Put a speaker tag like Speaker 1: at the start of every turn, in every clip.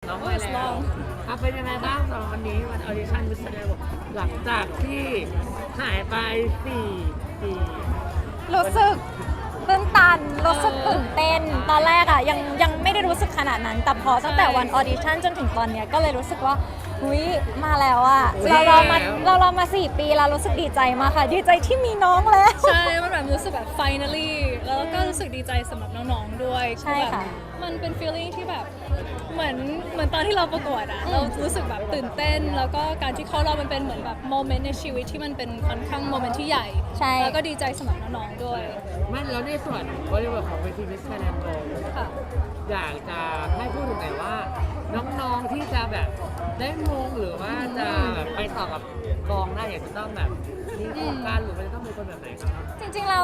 Speaker 1: น้องมาแล้วเป็นยังไงบ้างสำหรับวันนี้วันออดิชั่นมิสเตอร์หลังจากที่หายไป4 ปี
Speaker 2: รู้สึกตื้นตันรู้สึกตื่นเต้นตอนแรกอะยังไม่ได้รู้สึกขนาดนั้น แต่พอตั้งแต่วันออดิชั่นจนถึงตอนเนี้ยก็เลยรู้สึกว่าหุยมาแล้วอะเรารอมา4 ปีแล้วรู้สึกดีใจมากค่ะดีใจที่มีน้องแล้ว
Speaker 3: ใช่มันแบบรู้สึกแบบ finally แล้วก็รู้สึกดีใจสำหรับน้องๆด้วย
Speaker 2: ใช่ค่ะ
Speaker 3: มันเป็น feeling ที่แบบเหมือนตอนที่เราประกวดอะเรารู้สึกแบบตื่นเต้นแล้วก็การที่เข้ารอบมันเป็นเหมือนแบบโมเมนต์ในชีวิตที่มันเป็นค่อนข้างโมเมนต์ที่ใหญ่
Speaker 2: ใช่
Speaker 3: แล้วก็ดีใจสำหรับน้องๆด้วย
Speaker 1: ไม่แล้วในส่วนบริบทของเวทีมิสเตอร์แลนด์โก
Speaker 3: ค่ะ
Speaker 1: อยากจะให้พูดถึงหน่อยว่า น้องๆที่จะแบบได้มงหรือว่าจะแบบไปต่อกับกองได้อยากจะต้องแบบมีโครงการหรือมันจะต้องเป็นคนแบบไหนครับ
Speaker 2: จริงๆแล้ว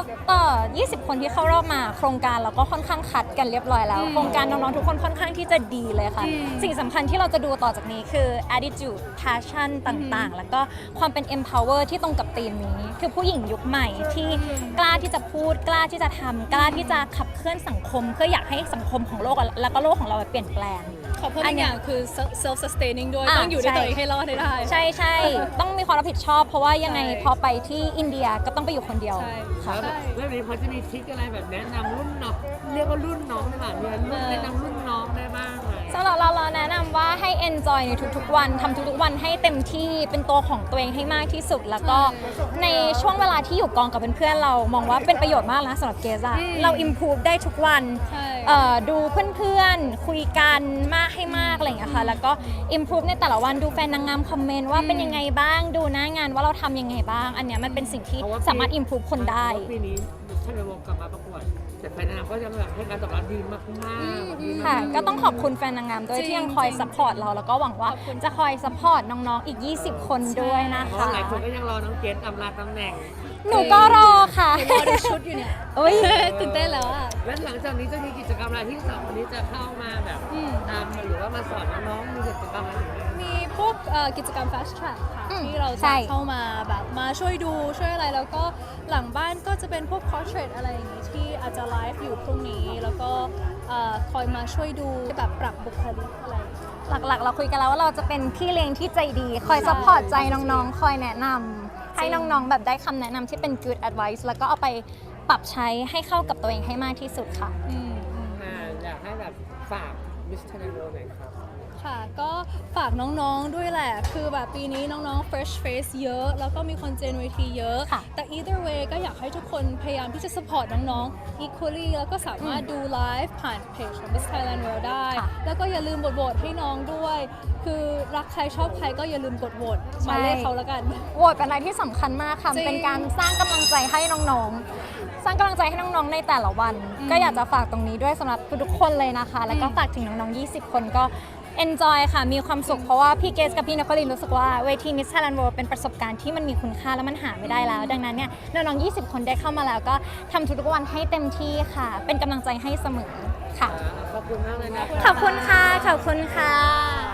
Speaker 2: 20 คนที่เข้ารอบมาโครงการเราก็ค่อนข้างคัดกันเรียบร้อยแล้ว โครงการน้องๆทุกคนค่อนข้างที่จะดีเลยค่ะ สิ่งสำคัญที่เราจะดูต่อจากนี้คือ attitude passion ต่างๆ แล้วก็ความเป็น empower ที่ตรงกับธีมนี้ คือผู้หญิงยุคใหม่ที่กล้าที่จะพูดกล้าที่จะทำกล้าที่จะขับเคลื่อนสังคมเพื่ออยากให้สังคมของโลกแล้วก็โลกของเราเปลี่ยนแปลง
Speaker 3: ขอเพิ่มอีกอย่างคือ self sustaining ด้วย ต้องอยู่ด้วย
Speaker 2: ใช่
Speaker 3: ตัวเองให้รอดให้ได้
Speaker 2: ใช่ใช่ต้องมีความรับผิดชอบ เพราะว่ายังไงพอไปที่อินเดียก็ต้องไปอยู่คนเดียว
Speaker 3: ใช่
Speaker 2: ค่ะ
Speaker 1: แล้วเรื่องนี้พอจะมีทริคอะไรแบบแนะนำรุ่นน้องเรียกว่ารุ่นน้องได้ป่ะมีรุ่นแนะนำรุ่นน้องได้บ้างไหม
Speaker 2: สำหรับเราแนะนำว่าให้ enjoy ในทุกๆวันทำทุกๆวันให้เต็มที่เป็นตัวของตัวเองให้มากที่สุด แล้วก็ในช่วงเวลาที่อยู่กองกับเพื่อนๆเรามองว่าเป็นประโยชน์มากนะสำหรับเกซ่าเรา improve ได้ทุกวัน
Speaker 3: ใช่
Speaker 2: ดูเพื่อนๆคุยกันมากให้มากอะไรอย่างเงี้ยค่ะแล้วก็ improve ในแต่ละวันดูแฟนนางงามคอมเมนต์ว่าเป็นยังไงบ้างดูหน้างานว่าเราทำยังไงบ้าง อันเนี้ยมันเป็นสิ่งที่สามารถ improve คนได้
Speaker 1: เพราะว่าปีนี้ท่านในวงกลับมาประกวดแต่แฟนนางงามก็ยังแบบให้การตอบรับดีมากๆดีมาก
Speaker 2: ค่ะก็ต้องขอบคุณแฟนนางงามด้วยที่ยังคอยซัพพอร์ตเราแล้วก็หวังว่าจะคอยซัพพอร์ตน้องๆอีก 20 คนด้วยนะ
Speaker 1: เพราะ
Speaker 2: คะ
Speaker 1: หลายคนก็ยังรอน้องเกดอำลาตำแหน่ง
Speaker 2: หนูก็รอค่ะ
Speaker 3: รอดูชุดอยู่เนี่ย
Speaker 2: โอ้ย
Speaker 3: ตื่นเต้นแล้วอะ
Speaker 1: และหลังจากนี้จะมีกิจกรรมอะไรที่สองคนนี้จะเข้ามาแบบตามหรือว่ามาสอนน้องๆมีกิจกรรมอะไรอย่างเงี้ย
Speaker 3: มีพวกกิจกรรม fast track ค่ะ
Speaker 2: อืม
Speaker 3: ที่เรา
Speaker 2: ใช่
Speaker 3: จะเข้ามาแบบมาช่วยดูช่วยอะไรแล้วก็หลังบ้านก็จะเป็นพวก portrait อะไรอย่างงี้ที่อาจจะไลฟ์อยู่พรุ่งนี้ แล้วก็คอยมาช่วยดูแบบปรับบุคลิกอะไรอย่างเงี้ย
Speaker 2: หลักๆ เราคุยกันแล้วว่าเราจะเป็นพี่เลี้ยงที่ใจดี คอยซัพพอร์ตใจน้องๆ คอยแนะนำให้น้องๆ แบบได้คำแนะนำที่เป็น good advice แล้วก็เอาไปปรับใช้ให้เข้ากับตัวเองให้มากที่สุดค่ะ
Speaker 1: อยากให้แบบฝากมิสเตอร์แลนด์โกหน่อยครับ
Speaker 3: ค่ะก็ฝากน้องๆด้วยแหละ คือแบบปีนี้น้องๆ fresh face เยอะ แล้วก็มีคนเจนเวทีเยอะ
Speaker 2: ค่ะ
Speaker 3: แต่ either way ก็อยากให้ทุกคนพยายามที่จะ support น้องๆ equally แล้วก็สามารถดูไลฟ์ผ่านเพจของ Miss Thailand World ได้
Speaker 2: ค่ะ
Speaker 3: แล้วก็อย่าลืมกดโหวตให้น้องด้วย คือรักใครชอบใครก็อย่าลืมกดโหวตหมายเลขเขาแล้วกัน
Speaker 2: โหวตเป็นอะไรที่สำคัญมากค่ะ
Speaker 3: จริง
Speaker 2: เป็นการสร้างกำลังใจให้น้องๆ สร้างกำลังใจให้น้องๆ ในแต่ละวัน ก็อยากจะฝากตรงนี้ด้วยสำหรับทุกๆคนเลยนะคะ แล้วก็ฝากถึงน้องๆ 20 คนก็ enjoy ค่ะ มีความสุข เพราะว่าพี่เกสกับพี่นครินทร์รู้สึกว่าเวที Miss Thailand World เป็นประสบการณ์ที่มันมีคุณค่าและมันหาไม่ได้แล้ว ดังนั้นเนี่ยน้องๆ 20 คนได้เข้ามาแล้วก็ทำทุกๆวันให้เต็มที่ค่ะ เป็นกำลังใจให้เสมอค่ะ
Speaker 1: ขอบคุณมากเลยนะ
Speaker 2: ขอบคุณค่ะ ขอบคุณค่ะ